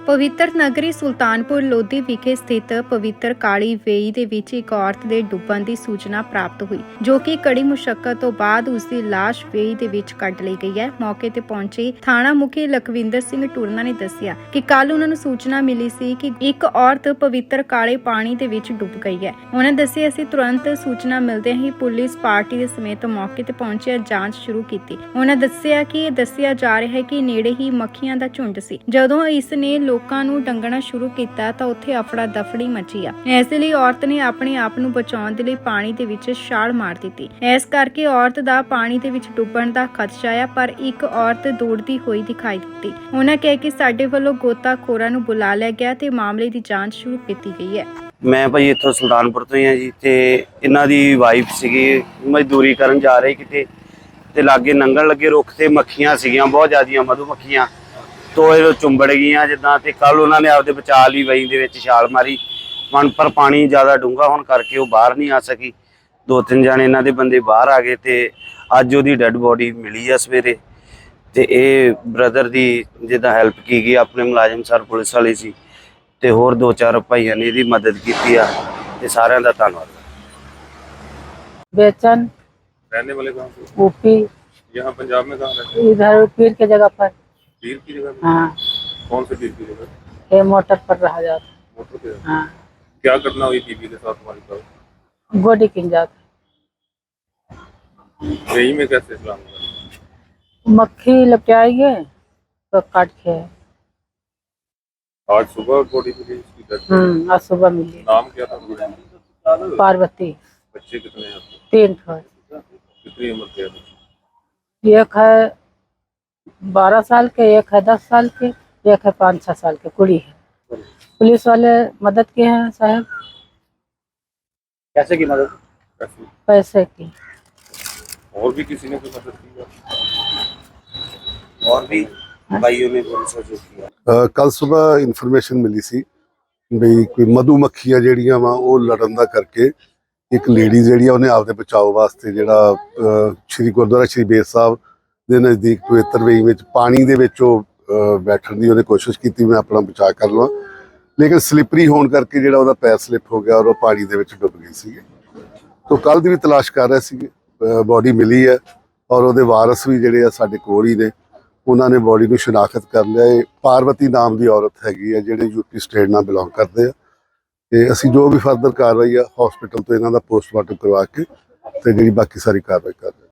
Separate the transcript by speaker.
Speaker 1: ਪਵਿੱਤਰ ਨਗਰੀ ਸੁਲਤਾਨਪੁਰ ਲੋਧੀ ਵਿਖੇ ਸਥਿਤ ਪਵਿੱਤਰ ਕਾਲੀ ਵੇਈ ਦੇ ਵਿੱਚ ਇੱਕ ਔਰਤ ਦੇ ਡੁੱਬਣ ਦੀ ਸੂਚਨਾ ਪ੍ਰਾਪਤ ਹੋਈ, ਜੋ ਕਿ ਕੜੀ ਮੁਸ਼ੱਕਤ ਤੋਂ ਬਾਅਦ ਉਸ ਦੀ ਲਾਸ਼ ਵੇਈ ਦੇ ਵਿੱਚ ਕੱਢ ਲਈ ਗਈ ਹੈ। ਮੌਕੇ ਤੇ ਪਹੁੰਚੇ ਥਾਣਾ ਮੁਖੀ ਲਖਵਿੰਦਰ ਸਿੰਘ ਟੁਰਨਾ ਨੇ ਦੱਸਿਆ ਕਿ ਕੱਲ ਉਹਨਾਂ ਨੂੰ ਸੂਚਨਾ ਮਿਲੀ ਸੀ ਕਿ ਇੱਕ ਔਰਤ ਪਵਿੱਤਰ ਕਾਲੇ ਪਾਣੀ ਦੇ ਵਿੱਚ ਡੁੱਬ ਗਈ ਹੈ। ਉਹਨਾਂ ਦੱਸਿਆ ਅਸੀਂ ਤੁਰੰਤ ਸੂਚਨਾ ਮਿਲਦਿਆਂ ਹੀ ਪੁਲਿਸ ਪਾਰਟੀ ਦੇ ਸਮੇਤ ਮੌਕੇ ਤੇ ਪਹੁੰਚੇ ਜਾਂਚ ਸ਼ੁਰੂ ਕੀਤੀ। ਉਹਨਾਂ ਦੱਸਿਆ ਕਿ ਇਹ ਦੱਸਿਆ ਜਾ ਰਿਹਾ ਹੈ ਕਿ ਨੇੜੇ ਹੀ ਮੱਖੀਆਂ ਦਾ ਝੁੰਡ ਸੀ। ਜਦੋਂ ਇਸ ਨੇ ਲੋਕਾਂ ਨੂੰ ਡੰਗਣਾ ਸ਼ੁਰੂ ਕੀਤਾ ਤਾਂ ਉੱਥੇ ਅਫੜਾ ਦਫੜੀ ਮਚੀ ਆ। ਇਸ ਲਈ ਔਰਤ ਨੇ ਆਪਣੇ ਆਪ ਨੂੰ ਬਚਾਉਣ ਦੇ ਲਈ ਪਾਣੀ ਦੇ ਵਿੱਚ ਛਾਲ ਮਾਰ ਦਿੱਤੀ। ਇਸ ਕਰਕੇ ਔਰਤ ਦਾ ਪਾਣੀ ਦੇ ਵਿੱਚ ਡੁੱਬਣ ਦਾ ਖਦਸ਼ਾ ਆ, ਪਰ ਇੱਕ ਔਰਤ ਦੌੜਦੀ ਹੋਈ ਦਿਖਾਈ ਦਿੱਤੀ। ਉਹਨਾਂ ਕਿਹਾ ਕਿ ਸਾਡੇ ਵੱਲੋਂ ਗੋਤਾਖੋਰਾਂ ਨੂੰ ਬੁਲਾ ਲਿਆ ਗਿਆ ਤੇ ਮਾਮਲੇ ਦੀ ਜਾਂਚ ਸ਼ੁਰੂ ਕੀਤੀ ਗਈ ਹੈ।
Speaker 2: ਮੈਂ ਭਾਈ ਇੱਥੋਂ ਸੁਲਤਾਨਪੁਰ ਤੋਂ ਹੀ ਹਾਂ ਜੀ, ਤੇ ਇਹਨਾਂ ਦੀ ਵਾਈਫ ਸੀਗੀ, ਮਜ਼ਦੂਰੀ ਕਰਨ ਜਾ ਰਹੇ ਕਿਤੇ, ਤੇ ਲਾਗੇ ਨੰਗਣ ਲੱਗੇ ਰੁੱਖ ਤੇ ਮੱਖੀਆਂ ਸੀਗੀਆਂ, ਬਹੁਤ ਜ਼ਿਆਦੀਆਂ ਮਧੂ ਮੱਖੀਆਂ ਤੋਂ ਇਹ ਚੁੰਬੜ ਗਈਆਂ ਜਿੱਦਾਂ। ਤੇ ਕੱਲ ਉਹਨਾਂ ਨੇ ਆਪਦੇ ਬਚਾਅ ਲਈ ਵਈ ਦੇ ਵਿੱਚ ਛਾਲ ਮਾਰੀ, ਪਰ ਪਾਣੀ ਜ਼ਿਆਦਾ ਡੂੰਘਾ ਹੋਣ ਕਰਕੇ ਉਹ ਬਾਹਰ ਨਹੀਂ ਆ ਸਕੀ। 2-3 ਜਾਣੇ ਇਹਨਾਂ ਦੇ ਬੰਦੇ ਬਾਹਰ ਆ ਗਏ ਤੇ ਅੱਜ ਉਹਦੀ ਡੈੱਡ ਬੋਡੀ ਮਿਲੀ ਆ ਸਵੇਰੇ। ਤੇ ਇਹ ਬ੍ਰਦਰ ਦੀ ਜਿੱਦਾਂ ਹੈਲਪ ਕੀ ਗਈ, ਆਪਣੇ ਮੁਲਾਜ਼ਮ ਸਰ ਪੁਲਿਸ ਵਾਲੇ ਸੀ ਤੇ ਹੋਰ 2-4 ਭਾਈਆਂ ਨੇ ਇਹਦੀ ਮਦਦ ਕੀਤੀ ਆ, ਤੇ ਸਾਰਿਆਂ ਦਾ ਧੰਨਵਾਦ।
Speaker 3: बेचन
Speaker 4: रहने वाले कहाँ से?
Speaker 3: यूपी,
Speaker 4: यहाँ पंजाब में कहाँ रहते हैं?
Speaker 3: इधर पीर के जगह पर।
Speaker 4: पीर की जगह पे?
Speaker 3: हाँ,
Speaker 4: कौन से पीर की जगह?
Speaker 3: ये मोटर पर रहा जाता।
Speaker 4: मोटर पे?
Speaker 3: हाँ,
Speaker 4: क्या घटना हुई बीबी के साथ तुम्हारी साथ?
Speaker 3: गोडी किन जाता।
Speaker 4: यही में कैसे इस्लाम हुआ?
Speaker 3: मक्खी लपटाएंगे तो काट के।
Speaker 4: आज सुबह बॉडी मिली इसकी डेड बॉडी।
Speaker 3: आज सुबह मिली।
Speaker 4: नाम क्या था तुम्हारे?
Speaker 3: पार्वती।
Speaker 4: बच्चे कितने हैं आपके?
Speaker 3: 3 ठो।
Speaker 4: कितनी उम्र के हैं?
Speaker 3: एक है 12 साल के, एक है 10 साल के, एक है 5-6 साल के कुड़ी है। पुलिस वाले मदद किए हैं साहब।
Speaker 2: कैसे की मदद?
Speaker 4: कैसे?
Speaker 3: पैसे की।
Speaker 4: और भी किसी ने कोई मदद की है?
Speaker 2: और भी भाइयों ने पुलिस को जो किया।
Speaker 5: ਕੱਲ ਸਵੇਰ ਇਨਫੋਰਮੇਸ਼ਨ ਮਿਲੀ ਸੀ ਵੀ ਕੋਈ ਮਧੂ ਮੱਖੀਆਂ ਜਿਹੜੀਆਂ ਵਾ ਉਹ ਲੜਨ ਦਾ ਕਰਕੇ ਇੱਕ ਲੇਡੀ ਜਿਹੜੀ ਆ ਉਹਨੇ ਆਪਦੇ ਬਚਾਓ ਵਾਸਤੇ ਜਿਹੜਾ ਸ਼੍ਰੀ ਗੁਰਦੁਆਰਾ ਸ਼੍ਰੀ ਬੇਰ ਸਾਹਿਬ ਦੇ ਨਜ਼ਦੀਕ ਪਵਿੱਤਰ ਵੇਈ ਵਿੱਚ ਪਾਣੀ ਦੇ ਵਿੱਚ ਉਹ ਬੈਠਣ ਦੀ ਉਹਨੇ ਕੋਸ਼ਿਸ਼ ਕੀਤੀ, ਮੈਂ ਆਪਣਾ ਬਚਾਅ ਕਰ ਲਵਾਂ, ਲੇਕਿਨ ਸਲਿਪਰੀ ਹੋਣ ਕਰਕੇ ਜਿਹੜਾ ਉਹਦਾ ਪੈਰ ਸਲਿਪ ਹੋ ਗਿਆ ਔਰ ਉਹ ਪਾਣੀ ਦੇ ਵਿੱਚ ਡੁੱਬ ਗਈ ਸੀਗੀ। ਤੋਂ ਕੱਲ ਦੀ ਵੀ ਤਲਾਸ਼ ਕਰ ਰਹੇ ਸੀਗੇ, ਬੋਡੀ ਮਿਲੀ ਹੈ ਔਰ ਉਹਦੇ ਵਾਰਸ ਵੀ ਜਿਹੜੇ ਆ ਸਾਡੇ ਕੋਲ ਹੀ ਨੇ, ਉਹਨਾਂ ਨੇ ਬੋਡੀ ਨੂੰ ਸ਼ਨਾਖਤ ਕਰ ਲਿਆ। ਇਹ ਪਾਰਵਤੀ ਨਾਮ ਦੀ ਔਰਤ ਹੈਗੀ ਆ ਜਿਹੜੇ ਯੂਪੀ ਸਟੇਟ ਨਾਲ ਬਿਲੋਂਗ ਕਰਦੇ ਆ, ਤੇ ਅਸੀਂ ਜੋ ਵੀ ਫਰਦਰ ਕਾਰਵਾਈ ਆ ਹਸਪੀਟਲ ਤੋਂ ਇਹਨਾਂ ਦਾ ਪੋਸਟਮਾਰਟਮ ਕਰਵਾ ਕੇ ਤੇ ਜਿਹੜੀ ਬਾਕੀ ਸਾਰੀ ਕਾਰਵਾਈ ਕਰ ਰਹੇ।